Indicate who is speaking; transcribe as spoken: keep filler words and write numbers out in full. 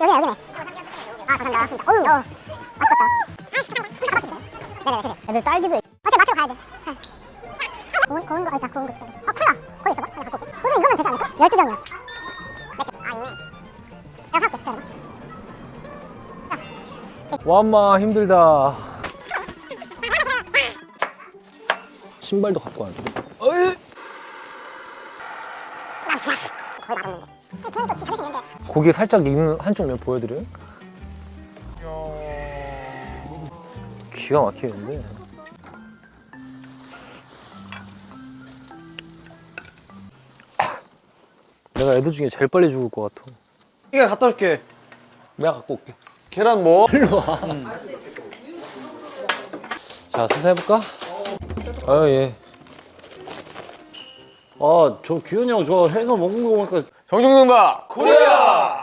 Speaker 1: 여기네 여기네. 아 감사합니다. 어우 어 맛있겠다. 네네 네. 애들 딸기도. 어차피 마트로 가야 돼. 고운 고운 거 일단 고운 거. 어 콜라 거기 있어 봐. 내가 갖고 올게. 소주 이거면 되지 않을까? 열두 병이야. 맥주. 아 있네. 내가 사올게. 기다려봐.
Speaker 2: 와마 힘들다. 신발도 갖고 와야 돼. 어이!
Speaker 1: 거의 맛없는데. 걔는 또 진짜 자존심 있는데.
Speaker 2: 고기 살짝 익는 한쪽 면 보여드려요? 기가 막히는데. 내가 애들 중에 제일 빨리 죽을 것 같아.
Speaker 3: 이게 갖다 줄게.
Speaker 2: 내가 갖고 올게.
Speaker 3: 계란 뭐?
Speaker 2: 일로 와. 음. 자, 수사해볼까? 아유, 예.
Speaker 3: 아, 저 규현이 형 저 해서 먹는 거 보니까
Speaker 2: 정중등박 코리아!